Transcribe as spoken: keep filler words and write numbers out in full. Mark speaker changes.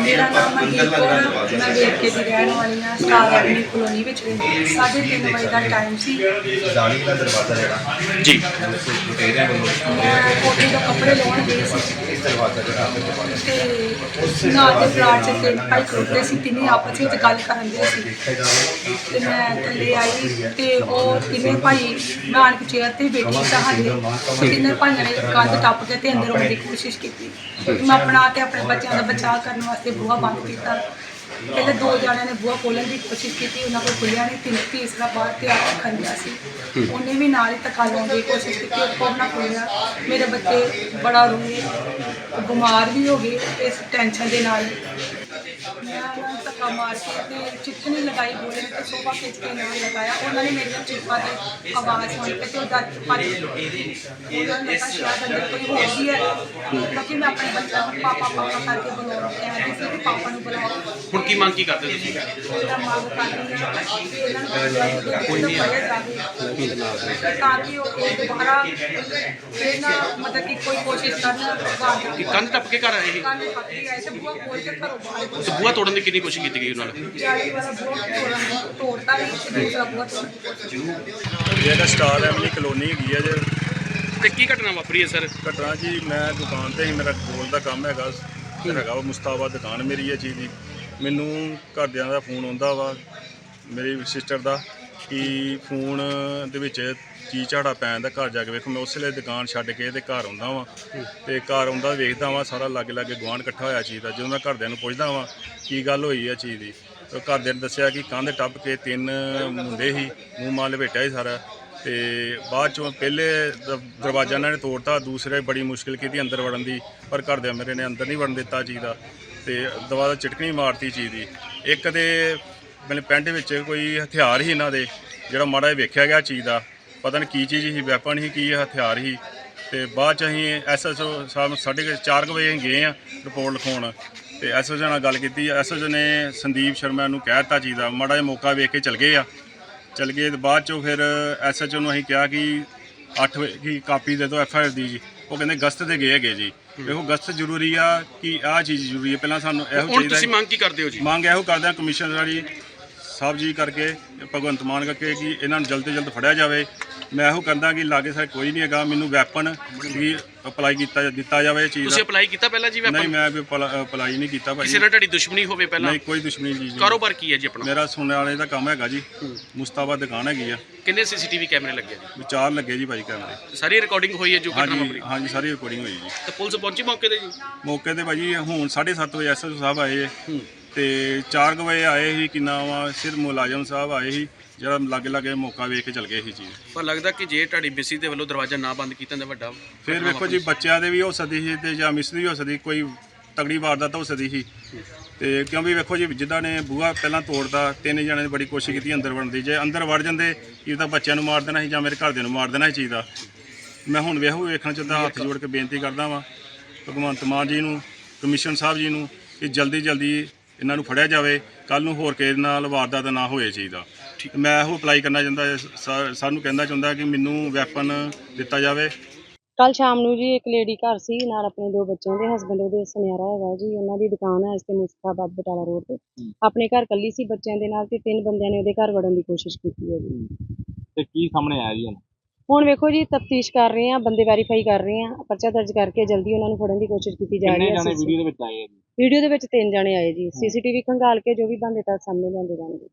Speaker 1: ਮੇਰਾ ਨਾਮ ਮਨਦੀਪ ਕੌਰ ਹੈ। ਮੈਂ ਵੇਰਕੇ ਦੀ ਰਹਿਣ ਵਾਲੀ ਹਾਂ। ਸਟਾਰ ਐਵਨਿਊ ਕਲੋਨੀ ਵਿੱਚ ਰਹਿੰਦੀ। ਸਾਢੇ ਤਿੰਨ ਵਜੇ ਦਾ ਟਾਈਮ ਸੀ
Speaker 2: ਜਾਲੀ ਦਾ ਦਰਵਾਜ਼ਾ ਜਿਹੜਾ
Speaker 3: ਜੀ
Speaker 2: ਲੁਟੇਰਿਆਂ ਵੱਲੋਂ
Speaker 1: ਮੈਂ ਕੋਠੇ ਤੋਂ ਕੱਪੜੇ ਲਾਉਣ ਗਈ ਸੀ
Speaker 2: ਇਸ ਦਰਵਾਜ਼ਾ ਜਿਹੜਾ ਆਪੇ ਦਰਵਾਜ਼ਾ
Speaker 1: ਤੇ ਨਾਲ ਦੇ ਪਲਾਟ 'ਚ ਤਿੰਨ ਭਾਈ ਖੜੋਤੇ ਸੀ। ਤਿੰਨੇ ਆਪਸ ਵਿੱਚ ਗੱਲ ਕਰਨ ਦੇ ਸੀ ਤੇ ਮੈਂ ਥੱਲੇ ਆਈ ਤੇ ਉਹ ਤਿੰਨੇ ਭਾਈ ਨਾਨਕ ਚੇਅਰ ਤੇ ਬੈਠੀ ਸਾਡੇ ਤਿੰਨੇ ਭਾਈਆਂ ਨੇ ਕੰਧ ਟੱਪ ਕੇ ਤੇ ਅੰਦਰ ਆਉਣ ਦੀ ਕੋਸ਼ਿਸ਼ ਕੀਤੀ। ਮੈਂ ਆਪਣਾ ਤੇ ਆਪਣੇ ਬੱਚਿਆਂ ਦਾ ਬਚਾਅ ਕਰਨ ਵਾਸਤੇ ਬੂਹਾ ਬੰਦ ਕੀਤਾ। ਪਹਿਲੇ ਦੋ ਜਣਿਆਂ ਨੇ ਬੂਹਾ ਖੋਲ੍ਹਣ ਦੀ ਕੋਸ਼ਿਸ਼ ਕੀਤੀ, ਉਹਨਾਂ ਕੋਲ ਖੁੱਲਿਆ ਨਹੀਂ। ਤਿੰਨ ਤੀਸਰਾ ਬਾਹਰ ਤੇ ਆ ਕੇ ਖੰਡਿਆ ਸੀ, ਉਹਨੇ ਵੀ ਨਾਲ ਹੀ ਧੱਕਾ ਲਾਉਣ ਦੀ ਕੋਸ਼ਿਸ਼ ਕੀਤੀ, ਉਹ ਕੋਲ ਨਾ ਖੁੱਲਿਆ। ਮੇਰੇ ਬੱਚੇ ਬੜਾ ਰੋਏ, ਬਿਮਾਰ ਵੀ ਹੋ ਗਏ ਇਸ ਟੈਨਸ਼ਨ ਦੇ ਨਾਲ। ਮੈਂ ਉਹਨਾਂ ਨੂੰ ਧੱਕਾ ਮਾਰ ਕੇ ਤੇ ਚਿੱਠਣੀ ਲਗਾਈ, ਬੋਲੇ ਤੇ ਸੋਫਾ ਖਿੱਚ ਕੇ ਨਾਲ ਲਗਾਇਆ। ਉਹਨਾਂ ਨੇ ਮੇਰੀਆਂ ਚੀਕਾਂ ਤੇ ਆਵਾਜ਼ ਸੁਣ ਕੇ ਤੇ ਉਹ ਡਰ ਭੱਜ ਗਏ। ਉਹਨਾਂ ਨੇ ਲੱਗਾ ਸ਼ਾਇਦ ਅੰਦਰ ਕੋਈ ਹੋਰ ਵੀ ਹੈ, ਕਿਉਂਕਿ ਮੈਂ ਆਪਣੇ ਬੱਚਿਆਂ ਨੂੰ ਪਾਪਾ ਪਾਪਾ ਕਰਕੇ ਬੁਲਾਉਣਾ ਕਹਿੰਦੀ ਸੀ ਕਿ ਪਾਪਾ ਨੂੰ ਬੁਲਾਓ।
Speaker 3: ਹੁਣ ਕੀ ਮੰਗ ਕੀ ਕਰਦੇ ਤੁਸੀਂ?
Speaker 1: ਇਹਦਾ ਮੰਗ ਕਰਦੀ ਹਾਂ ਕਿ ਇਹਨਾਂ ਨੂੰ ਕੋਈ ਨਹੀਂ ਫੜਿਆ ਜਾਵੇ ਤਾਂ ਕਿ ਉਹ ਇਹ ਦੁਬਾਰਾ ਫਿਰ ਨਾ ਮਤਲਬ ਕਿ ਕੋਈ ਕੋਸ਼ਿਸ਼ ਕਰਨ।
Speaker 3: ਕਿ ਕੰਧ ਟੱਪ ਕੇ ਘਰ ਆਏ ਸੀ
Speaker 1: ਕੰਨ ਪੱਕੀ ਆਏ ਤੇ ਬੂਹਾ ਖੋਲ ਕੇ ਘਰੋਂ ਬਾਹਰ
Speaker 3: ਤੇ ਬੂਹਾ ਤੋੜਨ ਦੀ ਕਿੰਨੀ ਕੋਸ਼ਿਸ਼ ਕੀਤੀ ਗਈ ਉਹਨਾਂ ਨਾਲ?
Speaker 1: ਜਾਲੀ ਵਾਲਾ ਬੂਹਾ ਤੋੜਨ ਤੋੜਤਾ ਵੀ ਤੇ ਦੂਸਰਾ ਬੂਹਾ ਤੋੜਨ ਦੀ ਕੋਸ਼ਿਸ਼।
Speaker 4: ਇਹ ਤਾਂ ਸਟਾਰ ਐਵਨਿਊ ਕਲੋਨੀ ਹੈਗੀ ਆ ਜੇ।
Speaker 3: ਤੇ ਕੀ ਘਟਨਾ ਵਾਪਰੀ ਹੈ ਸਰ?
Speaker 4: ਘਟਨਾ ਜੀ, ਮੈਂ ਦੁਕਾਨ ਤੇ ਹੀ, ਮੇਰਾ ਗੋਲ ਦਾ ਕੰਮ ਹੈਗਾ ਹੈਗਾ ਵਾ ਮੁਸਤਾਬਾਦ ਦੁਕਾਨ ਮੇਰੀ ਇਹ ਚੀਜ਼ ਦੀ। ਮੈਨੂੰ ਘਰਦਿਆਂ ਦਾ ਫੋਨ ਆਉਂਦਾ ਵਾ ਮੇਰੀ ਸਿਸਟਰ ਦਾ ਕਿ ਫੋਨ ਦੇ ਵਿੱਚ ਚੀਜ਼ ਝਾੜਾ ਪੈਣ ਦਾ, ਘਰ ਜਾ ਕੇ ਵੇਖੋ। ਮੈਂ ਉਸ ਵੇਲੇ ਦੁਕਾਨ ਛੱਡ ਕੇ ਤੇ ਘਰ ਆਉਂਦਾ ਵਾਂ ਤੇ ਘਰ ਆਉਂਦਾ ਵੇਖਦਾ ਵਾਂ ਸਾਰਾ ਲਾਗੇ ਲਾਗੇ ਗੁਆਂਢ ਇਕੱਠਾ ਹੋਇਆ ਚੀਜ਼ ਦਾ। ਜਦੋਂ ਮੈਂ ਘਰਦਿਆਂ ਨੂੰ ਪੁੱਛਦਾ ਵਾਂ ਕੀ ਗੱਲ ਹੋਈ ਆ ਚੀਜ਼ ਦੀ, ਤਾਂ ਘਰਦਿਆਂ ਨੇ ਦੱਸਿਆ ਕਿ ਕੰਧ ਟੱਪ ਕੇ ਤਿੰਨ ਮੁੰਡੇ ਸੀ, ਮੂੰਹ ਮਾਂ ਲਪੇਟਿਆ ਸੀ ਸਾਰਾ। ਤੇ ਬਾਅਦ ਚੋਂ ਪਹਿਲੇ ਦ ਦਰਵਾਜ਼ਾ ਇਹਨਾਂ ਨੇ ਤੋੜਤਾ, ਦੂਸਰੇ ਬੜੀ ਮੁਸ਼ਕਿਲ ਕੀਤੀ ਅੰਦਰ ਵੜਨ ਦੀ, ਪਰ ਘਰਦਿਆਂ ਮੇਰੇ ਨੇ ਅੰਦਰ ਨਹੀਂ ਵੜਨ ਦਿੱਤਾ ਚੀਜ਼ ਦਾ ਤੇ ਦੁਬਾਰਾ ਚਟਕਣੀ ਮਾਰਤੀ ਚੀਜ਼ ਦੀ। ਇੱਕ ਦੇ ਮੇਰੇ ਪੈਂਟ ਵਿੱਚ ਕੋਈ ਹਥਿਆਰ ਸੀ ਇਹਨਾਂ ਦੇ, ਜਿਹੜਾ ਮਾੜਾ ਜਿਹਾ ਵੇਖਿਆ ਗਿਆ ਚੀਜ਼ ਦਾ, ਪਤਾ ਨਹੀਂ ਕੀ ਚੀਜ਼ ਸੀ, ਵੈਪਨ ਸੀ ਕੀ ਹਥਿਆਰ ਸੀ। ਤੇ ਬਾਅਦ 'ਚ ਅਸੀਂ ਐਸ ਐਸ ਓ ਸਾਹਿਬ ਸਾਢੇ ਚਾਰ ਕੁ ਵਜੇ ਗਏ ਹਾਂ ਰਿਪੋਰਟ ਲਿਖਾਉਣ ਤੇ ਐਸ ਐਸ ਓ ਨਾਲ ਗੱਲ ਕੀਤੀ। ਐਸ ਐਸ ਓ ਨੇ ਸੰਦੀਪ ਸ਼ਰਮਾ ਨੂੰ ਕਹਿ ਦਿੱਤਾ ਚੀਜ਼ ਦਾ, ਮਾੜਾ ਜਿਹਾ ਮੌਕਾ ਵੇਖ ਕੇ ਚਲ ਗਏ ਆ ਚਲ ਗਏ ਤੇ ਬਾਅਦ 'ਚੋਂ ਫਿਰ ਐਸ ਐਚ ਓ ਨੂੰ ਅਸੀਂ ਕਿਹਾ ਕਿ ਅੱਠ ਵਜੇ ਕੀ ਕਾਪੀ ਦੇ ਦਿਓ ਐਫ ਆਈ ਆਰ ਦੀ ਜੀ। ਉਹ ਕਹਿੰਦੇ ਗਸਤ ਤੇ ਗਏ ਹੈਗੇ ਜੀ। ਦੇਖੋ ਗਸਤ ਜ਼ਰੂਰੀ ਆ ਕਿ ਆਹ ਚੀਜ਼ ਜ਼ਰੂਰੀ ਹੈ। ਪਹਿਲਾਂ ਸਾਨੂੰ ਇਹੋ
Speaker 3: ਹੁਣ
Speaker 4: ਚਾਹੀਦਾ,
Speaker 3: ਤੁਸੀਂ ਮੰਗ ਕੀ ਕਰਦੇ ਹੋ ਜੀ?
Speaker 4: ਮੰਗ ਇਹੋ ਕਰਦੇ ਹਾਂ ਕਮਿਸ਼ਨਰ ਵਾਲੀ ਸਾਹਿਬ ਜੀ ਕਰਕੇ, ਭਗਵੰਤ ਮਾਨ ਕਰਕੇ, ਕਿ ਇਹਨਾਂ ਨੂੰ ਜਲਦ ਤੋਂ ਜਲਦ ਫੜਿਆ ਜਾਵੇ। ਮੈਂ ਇਹੋ ਕਹਿੰਦਾ ਕਿ ਲਾਗੇ ਸਾਡੇ ਕੋਈ ਨਹੀਂ ਹੈਗਾ, ਮੈਨੂੰ ਵੈਪਨ ਵੀ ਅਪਲਾਈ ਕੀਤਾ ਦਿੱਤਾ ਜਾਵੇ ਚੀਜ਼
Speaker 3: ਤੁਸੀਂ
Speaker 4: ਦਾ।
Speaker 3: ਅਪਲਾਈ ਕੀਤਾ ਪਹਿਲਾਂ ਜੀ ਵੈਪਨ?
Speaker 4: ਨਹੀਂ, ਮੈਂ ਵੀ ਅਪਲਾਈ ਨਹੀਂ ਕੀਤਾ ਭਾਈ।
Speaker 3: ਕਿਸੇ ਨਾਲ ਤੁਹਾਡੀ ਦੁਸ਼ਮਣੀ ਹੋਵੇ ਪਹਿਲਾਂ?
Speaker 4: ਨਹੀਂ, ਕੋਈ ਦੁਸ਼ਮਣੀ ਜੀ।
Speaker 3: ਕਾਰੋਬਾਰ ਕੀ ਹੈ ਜੀ ਆਪਣਾ?
Speaker 4: ਮੇਰਾ ਸੁਣਨ ਵਾਲੇ ਦਾ ਕੰਮ ਹੈਗਾ ਜੀ, ਮੁਸਤਾਬਾਦ ਦੁਕਾਨ ਹੈਗੀ ਆ।
Speaker 3: ਕਿੰਨੇ ਸੀਸੀਟੀਵੀ ਕੈਮਰੇ ਲੱਗੇ ਜੀ?
Speaker 4: ਵਿਚਾਰ ਲੱਗੇ ਜੀ ਭਾਈ ਕੈਮਰੇ।
Speaker 3: ਸਾਰੀ ਰਿਕਾਰਡਿੰਗ ਹੋਈ ਹੈ ਜੋ ਘਟਨਾ
Speaker 4: ਹਾਂਜੀ
Speaker 3: ਵਾਪਰੀ?
Speaker 4: ਹਾਂਜੀ, ਸਾਰੀ ਰਿਕਾਰਡਿੰਗ ਹੋਈ ਜੀ।
Speaker 3: ਤੇ ਪੁਲਿਸ ਪਹੁੰਚੀ ਮੌਕੇ ਤੇ ਜੀ?
Speaker 4: ਮੌਕੇ ਤੇ ਭਾਜੀ ਹੁਣ ਸਾਢੇ ਸੱਤ ਵਜੇ ਐਸ ਐਸ ਓ ਸਾਹਿਬ ਆਏ ਤੇ ਚਾਰ ਕੁ ਵਜੇ ਆਏ ਸੀ, ਕਿੰਨਾ ਵਾ ਸਿਰ ਮੁਲਾਜ਼ਮ ਸਾਹਿਬ ਆਏ ਸੀ, ਜਿਹੜਾ ਲਾਗੇ ਲਾਗੇ ਮੌਕਾ ਵੇਖ ਕੇ ਚਲ ਗਏ ਸੀ ਚੀਜ਼।
Speaker 3: ਪਰ ਲੱਗਦਾ ਕਿ ਜੇ ਤੁਹਾਡੀ ਬਿਸੀ ਦੇ ਵੱਲੋਂ ਦਰਵਾਜ਼ਾ ਨਾ ਬੰਦ ਕੀਤਾ ਤਾਂ ਵੱਡਾ
Speaker 4: ਫਿਰ ਵੇਖੋ ਜੀ, ਬੱਚਿਆਂ ਦੇ ਵੀ ਹੋ ਸਕਦੀ ਸੀ ਤੇ ਜਾਂ ਮਿਸ ਵੀ ਹੋ ਸਕਦੀ, ਕੋਈ ਤਗੜੀ ਵਾਰਦਾਤ ਹੋ ਸਕਦੀ ਸੀ। ਤੇ ਕਿਉਂਕਿ ਵੇਖੋ ਜੀ, ਜਿੱਦਾਂ ਨੇ ਬੂਹਾ ਪਹਿਲਾਂ ਤੋੜਦਾ, ਤਿੰਨ ਜਣਿਆਂ ਨੇ ਬੜੀ ਕੋਸ਼ਿਸ਼ ਕੀਤੀ ਅੰਦਰ ਵੜਨ ਦੀ। ਜੇ ਅੰਦਰ ਵੜ ਜਾਂਦੇ ਇਹ ਤਾਂ ਬੱਚਿਆਂ ਨੂੰ ਮਾਰ ਦੇਣਾ ਸੀ ਜਾਂ ਮੇਰੇ ਘਰਦਿਆਂ ਨੂੰ ਮਾਰ ਦੇਣਾ ਸੀ ਚੀਜ਼ ਦਾ। ਮੈਂ ਹੁਣ ਵੇਖੋ ਵੇਖਣਾ ਚਾਹੁੰਦਾ, ਹੱਥ ਜੋੜ ਕੇ ਬੇਨਤੀ ਕਰਦਾ ਵਾਂ ਭਗਵੰਤ ਮਾਨ ਜੀ ਨੂੰ, ਕਮਿਸ਼ਨ ਸਾਹਿਬ ਜੀ ਨੂੰ, ਕਿ ਜਲਦੀ ਜਲਦੀ ਇਹਨਾਂ ਨੂੰ ਫੜਿਆ ਜਾਵੇ। ਕੱਲ੍ਹ ਨੂੰ ਹੋਰ ਕਿਸੇ ਨਾਲ ਵਾਰਦਾਤ ਨਾ ਹੋਏ ਚੀਜ਼ ਦਾ। ਮੈਂ ਇਹੋ ਅਪਲਾਈ ਕਰਨਾ ਚਾਹੁੰਦਾ, ਸਾਨੂੰ ਕਹਿੰਦਾ ਚਾਹੁੰਦਾ ਕਿ ਮੈਨੂੰ ਵੈਪਨ ਦਿੱਤਾ ਜਾਵੇ।
Speaker 5: ਕੱਲ ਸ਼ਾਮ ਨੂੰ ਜੀ ਇੱਕ ਲੇਡੀ ਘਰ ਸੀ ਨਾਲ ਆਪਣੇ ਦੋ ਬੱਚਿਆਂ ਦੇ, ਹਸਬੈਂਡ ਉਹਦੇ ਸੁਨਿਆਰਾ ਹੈਗਾ ਜੀ। ਉਹਨਾਂ ਦੀ ਦੁਕਾਨ ਹੈ ਇਸ ਤੇ ਮੁਸਤਾਬਾਦ ਬਟਾਲਾ ਰੋਡ ਤੇ। ਆਪਣੇ ਘਰ ਕੱਲੀ ਸੀ ਬੱਚਿਆਂ ਦੇ ਨਾਲ ਤੇ ਤਿੰਨ ਬੰਦਿਆਂ ਨੇ ਉਹਦੇ ਘਰ ਵੜਨ ਦੀ ਕੋਸ਼ਿਸ਼ ਕੀਤੀ ਹੈ ਜੀ।
Speaker 2: ਤੇ ਕੀ ਸਾਹਮਣੇ ਆਇਆ ਜੀ?
Speaker 5: ਹੁਣ ਵੇਖੋ ਜੀ, ਤਫਤੀਸ਼ ਕਰ ਰਹੇ ਆ, ਬੰਦੇ ਵੈਰੀਫਾਈ ਕਰ ਰਹੇ ਆ, ਪਰਚਾ ਦਰਜ ਕਰਕੇ ਜਲਦੀ ਉਹਨਾਂ ਨੂੰ ਫੜਨ ਦੀ ਕੋਸ਼ਿਸ਼ ਕੀਤੀ ਜਾ ਰਹੀ ਹੈ।
Speaker 2: ਵੀਡੀਓ ਦੇ ਵਿੱਚ ਆਏ ਆ ਜੀ?
Speaker 5: ਵੀਡੀਓ ਦੇ ਵਿੱਚ ਤਿੰਨ ਜਣੇ ਆਏ ਜੀ। ਸੀਸੀਟੀਵੀ ਖੰਗਾਲ ਕੇ ਜੋ ਵੀ ਬੰਦੇ ਤਾਂ ਸਾਹਮਣੇ ਲਿਆਂਦੇ ਜਾਣਗੇ।